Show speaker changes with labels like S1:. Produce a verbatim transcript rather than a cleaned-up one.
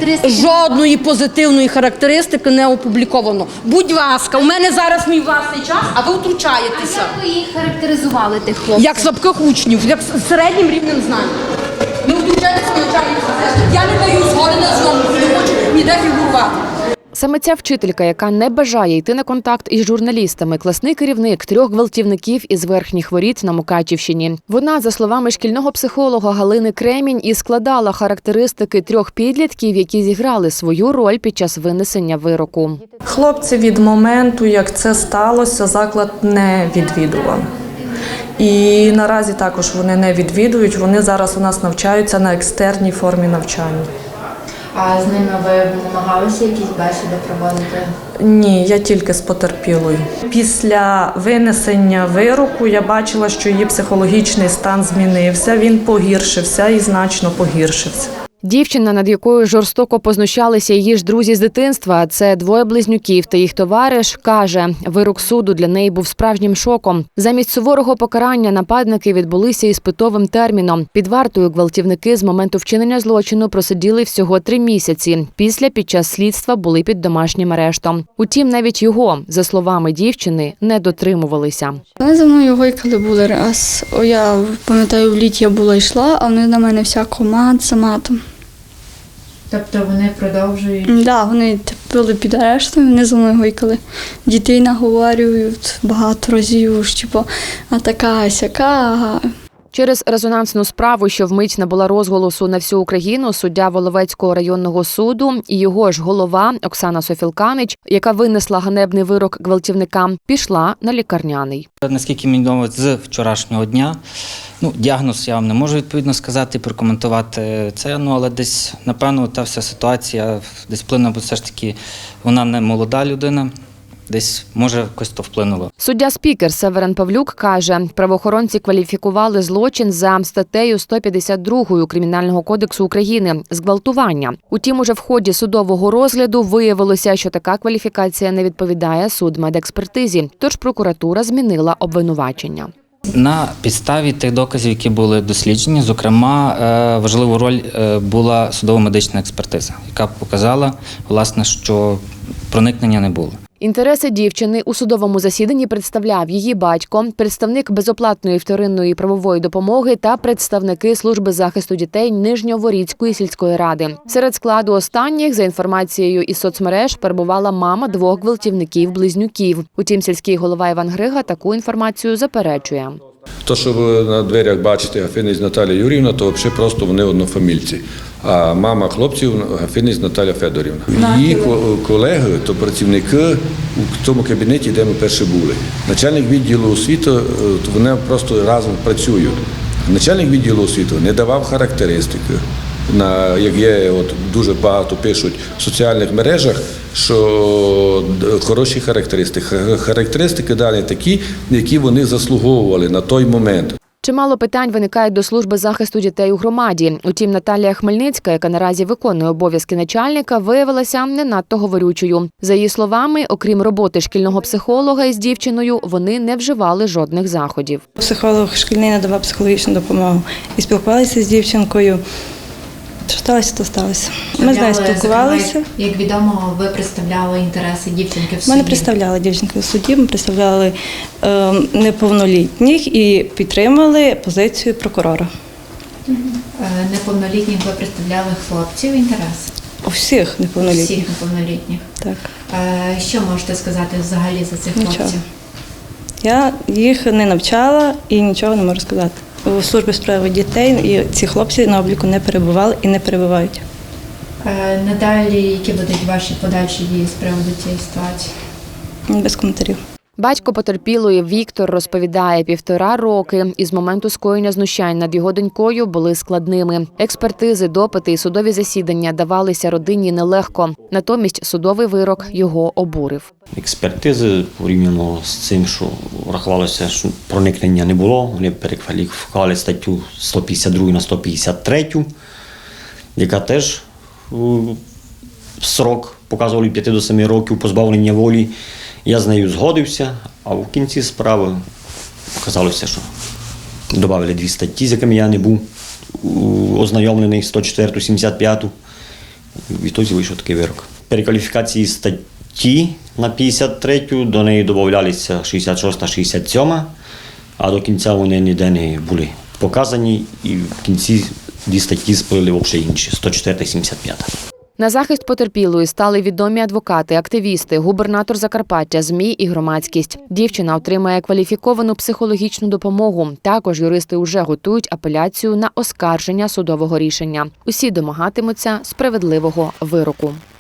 S1: характеристики?
S2: Жодної позитивної характеристики не опубліковано. Будь ласка, у мене зараз мій власний час, а ви втручаєтеся.
S1: Як ви їх характеризували, тих хлопців?
S2: Як слабких учнів, як з середнім рівнем знань. Не втручайтеся в навчальний процес. Я не даю згоди на зйомку, не хочу ніде фігурувати.
S3: Саме ця вчителька, яка не бажає йти на контакт із журналістами, класний керівник трьох гвалтівників із Верхніх Воріт на Мукачівщині. Вона, за словами шкільного психолога Галини Кремінь, і складала характеристики трьох підлітків, які зіграли свою роль під час винесення вироку.
S4: Хлопці від моменту, як це сталося, заклад не відвідували. І наразі також вони не відвідують, вони зараз у нас навчаються на екстерній формі навчання.
S1: А з ними ви намагалися якісь бесіди проводити?
S4: Ні, я тільки з потерпілою. Після винесення вироку я бачила, що її психологічний стан змінився, він погіршився і значно погіршився.
S3: Дівчина, над якою жорстоко познущалися її ж друзі з дитинства, це двоє близнюків та їх товариш, каже, вирок суду для неї був справжнім шоком. Замість суворого покарання нападники відбулися іспитовим терміном. Під вартою гвалтівники з моменту вчинення злочину просиділи всього три місяці. Після під час слідства були під домашнім арештом. Утім, навіть його, за словами дівчини, не дотримувалися.
S5: Вони за мною гойкали були раз. О, я пам'ятаю, в літі я була йшла, а вони на мене всяко мат за матом.
S1: Тобто вони продовжують?
S5: Так, да, вони були під арештом, вони за мною гойкали. Дітей наговорюють багато разів, типу, а така, а сяка, ага.
S3: Через резонансну справу, що вмить набула розголосу на всю Україну, суддя Воловецького районного суду і його ж голова Оксана Софілканич, яка винесла ганебний вирок гвалтівникам, пішла на лікарняний.
S6: Наскільки мені відомо, з вчорашнього дня, ну, діагноз я вам не можу відповідно сказати, прокоментувати це, ну, але десь, напевно, та вся ситуація десь вплинула, бо все ж таки вона не молода людина. Десь, може, якось то вплинуло.
S3: Суддя-спікер Северин Павлюк каже, правоохоронці кваліфікували злочин за статтею сто п'ятдесят два Кримінального кодексу України – зґвалтування. Утім, уже в ході судового розгляду виявилося, що така кваліфікація не відповідає судмедекспертизі, тож прокуратура змінила обвинувачення.
S6: На підставі тих доказів, які були досліджені, зокрема, важливу роль була судово-медична експертиза, яка показала, власне, що проникнення не було.
S3: Інтереси дівчини у судовому засіданні представляв її батько, представник безоплатної вторинної правової допомоги та представники служби захисту дітей Нижньоворіцької сільської ради. Серед складу останніх, за інформацією із соцмереж, перебувала мама двох гвалтівників-близнюків. Утім, сільський голова Іван Грига таку інформацію заперечує.
S7: То, що ви на дверях бачите Гафинець Наталя Юріївна, то взагалі просто вони однофамільці. А мама хлопців Гафинець Наталя Федорівна. Її колеги, то працівники у тому кабінеті, де ми перші були. Начальник відділу освіти, то вони просто разом працюють. Начальник відділу освіти не давав характеристики. На, як є, от, дуже багато пишуть в соціальних мережах, що хороші характеристики. Характеристики далі такі, які вони заслуговували на той момент.
S3: Чимало питань виникають до служби захисту дітей у громаді. Утім, Наталія Хмельницька, яка наразі виконує обов'язки начальника, виявилася не надто говорючою. За її словами, окрім роботи шкільного психолога із дівчиною, вони не вживали жодних заходів.
S8: Психолог шкільний надавав психологічну допомогу і спілкувалися з дівчинкою. Що сталося, то сталося. Ми з нею спілкувалися.
S1: Як відомо, ви представляли інтереси дівчинки в суді?
S8: Ми не представляли дівчинки в суді, ми представляли е, неповнолітніх і підтримали позицію прокурора.
S1: Угу. Е, неповнолітніх ви представляли хлопців інтереси?
S8: У всіх неповнолітніх.
S1: Всіх неповнолітніх.
S8: Так.
S1: Е, що можете сказати взагалі за цих
S8: Нічого.
S1: хлопців?
S8: Я їх не навчала і нічого не можу сказати. У службі справи дітей і ці хлопці на обліку не перебували і не перебувають.
S1: Е, надалі, які будуть ваші подальші дії з приводу цієї ситуації?
S8: Без коментарів.
S3: Батько потерпілої Віктор розповідає, півтора роки із моменту скоєння знущань над його донькою були складними. Експертизи, допити і судові засідання давалися родині нелегко. Натомість судовий вирок його обурив.
S9: Експертизи порівняно з цим, що врахувалося, що проникнення не було. Вони перекваліфікували статтю сто п'ятдесят два на сто п'ятдесят три, яка теж срок показували п'ять до семи років позбавлення волі. Я з нею згодився, а в кінці справи оказалося, що додали дві статті, з якими я не був ознайомлений, сто чотири, сімдесят п'ять. відтоді вийшов такий вирок. Перекваліфікації статті на п'ятдесят третю, до неї додавалися шістдесят шоста, шістдесят сьома, а до кінця вони ніде не були показані, і в кінці дві статті сплили взагалі інші, сто чотири, сімдесят п'ята.
S3: На захист потерпілої стали відомі адвокати, активісти, губернатор Закарпаття, ЗМІ і громадськість. Дівчина отримає кваліфіковану психологічну допомогу. Також юристи вже готують апеляцію на оскарження судового рішення. Усі домагатимуться справедливого вироку.